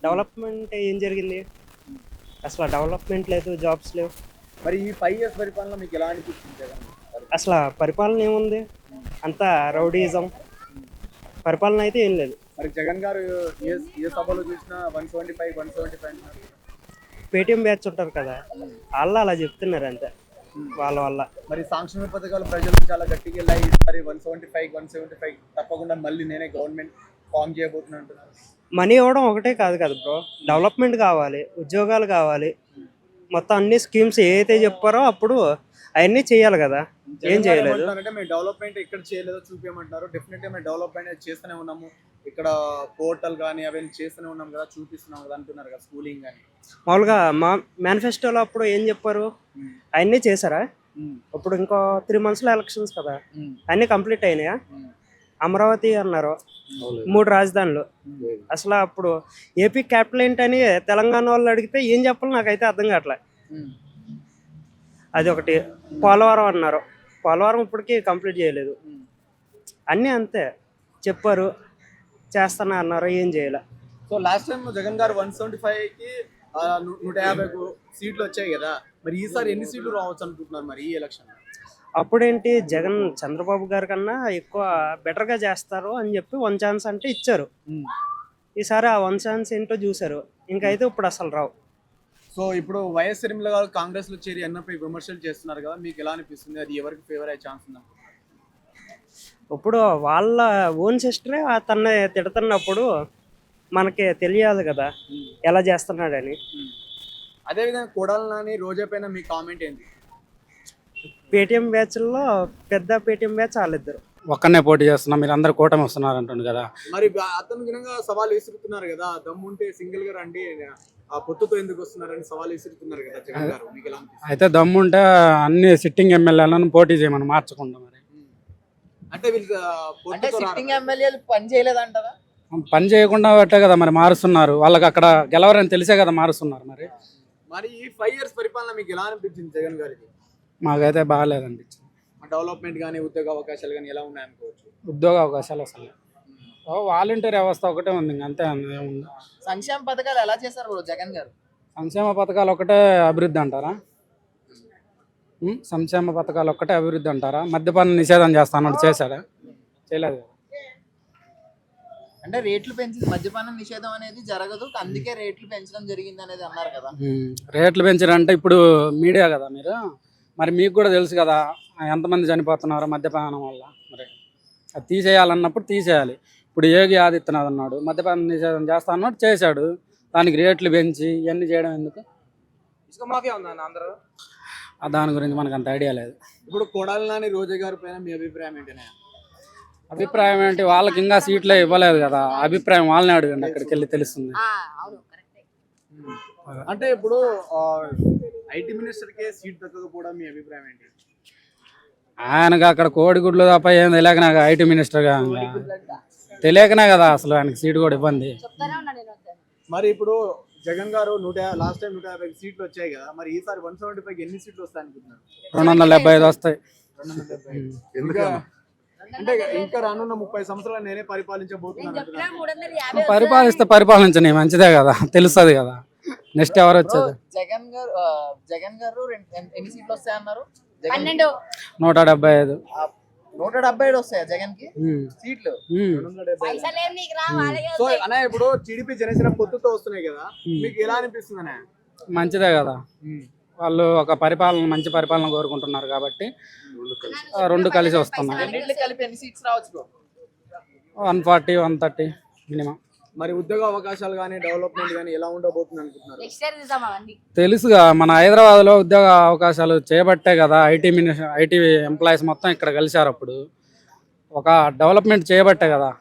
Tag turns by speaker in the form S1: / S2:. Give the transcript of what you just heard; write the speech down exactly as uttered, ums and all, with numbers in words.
S1: Development ఏం జరిగింది? అసలు డెవలప్మెంట్ లేదు, జాబ్స్ లేవు.
S2: మరి ఈ ఫైవ్ ఇయర్స్ పరిపాలన మీకు ఎలా అనిపించింది జగన్ గారి?
S1: అసలు పరిపాలన ఏముంది? అంతా రౌడీజం. పరిపాలన అయితే ఏం లేదు.
S2: మరి జగన్ గారు ఏ ఏ సభలో చూసినా one seventy five one seventy five
S1: Paytm batch ఉంటారు కదా, వాళ్ళు అలా చెప్తున్నారు అంతే, వాళ్ళ వల్ల.
S2: మరి సంక్షేమ పథకాలు ప్రజలకు చాలా గట్టిగా వెళ్ళాయి. ఈసారి one seventy five one seventy five తప్పకుండా మళ్ళీ నేనే గవర్నమెంట్ ఫామ్ చేయబోతున్నా అంటున్నారు.
S1: మనీ ఇవ్వడం ఒకటే కాదు కదా బ్రో, డెవలప్మెంట్ కావాలి, ఉద్యోగాలు కావాలి, మొత్తం అన్ని స్కీమ్స్ ఏదైతే చెప్పారో అప్పుడు అవన్నీ చేయాలి కదా. ఏం చేయలేదు.
S2: అంటే మేము డెవలప్మెంట్ ఎక్కడ చేయలేదో చూపించమంటున్నారు. డెఫినెట్ గా మేము డెవలప్మెంట్ చేస్తూనే ఉన్నాము. ఇక్కడ పోర్టల్ కానీ అవన్నీ చేస్తూనే ఉన్నాం కదా, చూపిస్తున్నాం కదా అంటున్నారు కదా, స్కూలింగ్ కానీ.
S1: మామూలుగా మా మేనిఫెస్టోలో అప్పుడు ఏం చెప్పారు? అవన్నీ చేశారా? ఇప్పుడు ఇంకో త్రీ మంత్స్లో ఎలక్షన్స్ కదా, అన్నీ కంప్లీట్ అయినాయా? అమరావతి అన్నారు, మూడు రాజధానులు. అసలు అప్పుడు ఏపీ క్యాపిటల్ ఏంటని తెలంగాణ వాళ్ళు అడిగితే ఏం చెప్పాలి నాకైతే అర్థం కావట్లే. అది ఒకటి. పోలవరం అన్నారు, పోలవరం ఇప్పటికీ కంప్లీట్ చేయలేదు. అన్నీ అంతే, చెప్పారు చేస్తానా అన్నారు, ఏం చేయలే.
S2: సో లాస్ట్ టైం జగన్ గారు వన్ సెవెంటీ ఫైవ్ కి నూట యాభై సీట్లు వచ్చాయి కదా, మరి ఈసారి ఎన్ని సీట్లు రావచ్చు అనుకుంటున్నారు మరి ఈ ఎలక్షన్?
S1: అప్పుడేంటి, జగన్ చంద్రబాబు గారి కన్నా ఎక్కువ బెటర్గా చేస్తారు అని చెప్పి వన్ ఛాన్స్ అంటే ఇచ్చారు. ఈసారి ఆ వన్ ఛాన్స్ ఏంటో చూసారు, ఇంకైతే ఇప్పుడు అసలు రావు.
S2: సో ఇప్పుడు వైఎస్ షర్మిల గారు కాంగ్రెస్ లో చేరి ఎన్ఐపై విమర్శలు చేస్తున్నారు కదా, మీకు ఎలా అనిపిస్తుంది? అది ఎవరికి ఫేవర్ అయ్యే ఛాన్స్ ఉందా?
S1: ఇప్పుడు వాళ్ళ ఓన్ సిస్టరే తన తిడుతున్నప్పుడు మనకి తెలియాలి కదా ఎలా చేస్తున్నాడని.
S2: అదేవిధంగా కొడాలి నాని రోజా పైన మీ కామెంట్ ఏంటి?
S1: పేటీఎం బ్యాచ్లో పెద్ద పేటీఎం బ్యాచ్ వాళ్ళిద్దరు
S3: ఒక్కనే పోటీ చేస్తున్నా, మీరు అందరు కూటమి వస్తున్నారు అంటుంది కదా.
S2: మరి అతను విధంగా సవాల్ విసురుతున్నారు కదా, దమ్ముంటే సింగిల్ గా రండి, ఆ పొత్తుతో ఎందుకు వస్తున్నారని సవాల్ విసురుతున్నారు కదా జగన్ గారు, మీకు ఎలా అనిపిస్తుంది?
S3: అయితే దమ్ముంటే అన్ని సిట్టింగ్ ఎమ్మెల్యేలను పోటీ చేయమని మార్చకుండా. మరి
S2: అంటే వీళ్ళు
S4: అంటే సిట్టింగ్ ఎమ్మెల్యేలు పని చేయలేదంటారా?
S3: పని చేయకుండా పెట్టే కదా మరి మారుస్తున్నారు, వాళ్ళకి అక్కడ గెలవరని తెలిసే కదా మారుస్తున్నారు. మరి
S2: మరి ఈ ఫైవ్ ఇయర్స్ పరిపాలన మీకు ఎలా అనిపించింది జగన్ గారికి?
S3: మాకైతే బాగాలేదనిపించింది.
S2: డెవలప్మెంట్ కానీ ఉద్యోగ అవకాశాలు కానీ ఎలా ఉన్నాయనుకోవచ్చు?
S3: ఉద్యోగ అవకాశాలు అసలు వాలంటీర్ వ్యవస్థ ఒకటే ఉంది, అంతే ఏముంది.
S4: సంక్షేమ పథకాలు ఎలా చేశారు బ్రో జగన్ గారు?
S3: సంక్షేమ పథకాలు ఒకటే అభివృద్ధి అంటారా? ఉం? సంక్షేమ పథకాలు ఒక్కటే అభివృద్ధి అంటారా? మద్యపాన నిషేధం చేస్తానని చేశాడా? చేయలేదు.
S4: అంటే రేట్లు పెంచి మద్యపానం నిషేధం అనేది జరగదు, అందుకే రేట్లు పెంచడం జరిగింది అనేది అన్నారు కదా.
S3: రేట్లు పెంచారంటే ఇప్పుడు మీడియా కదా మీరు, మరి మీకు కూడా తెలుసు కదా ఎంతమంది చనిపోతున్నారు మద్యపానం వల్ల. మరి అది తీసేయాలన్నప్పుడు తీసేయాలి. ఇప్పుడు యోగి ఆదిత్యనాథ్ అన్నాడు మద్యపానం నిషేధం చేస్తా అన్నాడు, చేశాడు. దానికి రేట్లు పెంచి ఇవన్నీ చేయడం ఎందుకు?
S2: ఇసుక మాఫియా ఉందా అందరూ?
S3: దాని గురించి మనకు అంత ఐడియా లేదు.
S2: ఇప్పుడు కొడాలి నాని రోజా గారి పైన మీ అభిప్రాయం ఏంటనే?
S3: అభిప్రాయం ఏంటి, వాళ్ళకి ఇంకా సీట్లే ఇవ్వలేదు కదా, అభిప్రాయం వాళ్ళని అడగండి, అక్కడికి వెళ్ళి తెలుస్తుంది.
S2: అంటే ఇప్పుడు ఐటీ మినిస్టర్ కే సీట్ దక్కకపోవడం మీ అభిప్రాయం ఏంటి?
S3: ఆయనకు అక్కడ కోడిగుడ్లు తప్ప ఏం తెలియక నాకు ఐటీ మినిస్టర్గా తెలియకనే కదా అసలు ఆయనకి సీట్ కూడా ఇబ్బంది.
S2: మరి ఇప్పుడు జగన్ గారు నూట లాస్ట్ టైం నూట యాభై సీట్లు వచ్చాయి కదా, మరి ఈసారి వన్ సెవెంటీ ఫైవ్ ఎన్ని సీట్లు వస్తాయి అనుకుంటున్నారు?
S3: రెండు వందల డెబ్బై ఐదు వస్తాయి.
S2: అంటే ఇంకా రానున్న ముప్పై సంవత్సరాలు నేనే పరిపాలించబోతున్నాను.
S3: పరిపాలిస్తే పరిపాలించని మంచిదే కదా, తెలుస్తుంది కదా నెక్స్ట్ ఎవరు వచ్చేది.
S4: జగన్ గారు జగన్ గారు ఎన్ని సీట్లు వస్తాయి అన్నారు?
S3: నూట డెబ్బై ఐదు
S4: నూట డెబ్బై ఏడు వస్తాయా జగన్ కి సీట్లు?
S2: సో అన్న ఇప్పుడు టీడీపీ జనసేన పొత్తుతో వస్తున్నాయి కదా, మీకు ఎలా అనిపిస్తుంది అన్న?
S3: మంచిదే కదా, వాళ్ళు ఒక పరిపాలన మంచి పరిపాలన కోరుకుంటున్నారు కాబట్టి రెండు కలిసి వస్తున్నాయి.
S4: కలిపి ఎన్ని సీట్స్ రావచ్చు?
S3: One forty one thirty minimum.
S2: మరి ఉద్యోగ అవకాశాలు కానీ డెవలప్మెంట్ కానీ ఎలా ఉండబోతుంది అనుకుంటున్నారు?
S3: తెలుసుగా మన హైదరాబాద్ లో ఉద్యోగ అవకాశాలు చేయబట్టే కదా ఐటీ మినిస్టర్ ఐటీ ఎంప్లాయీస్ మొత్తం ఇక్కడ కలిశారు. అప్పుడు ఒక డెవలప్మెంట్ చేయబట్టే కదా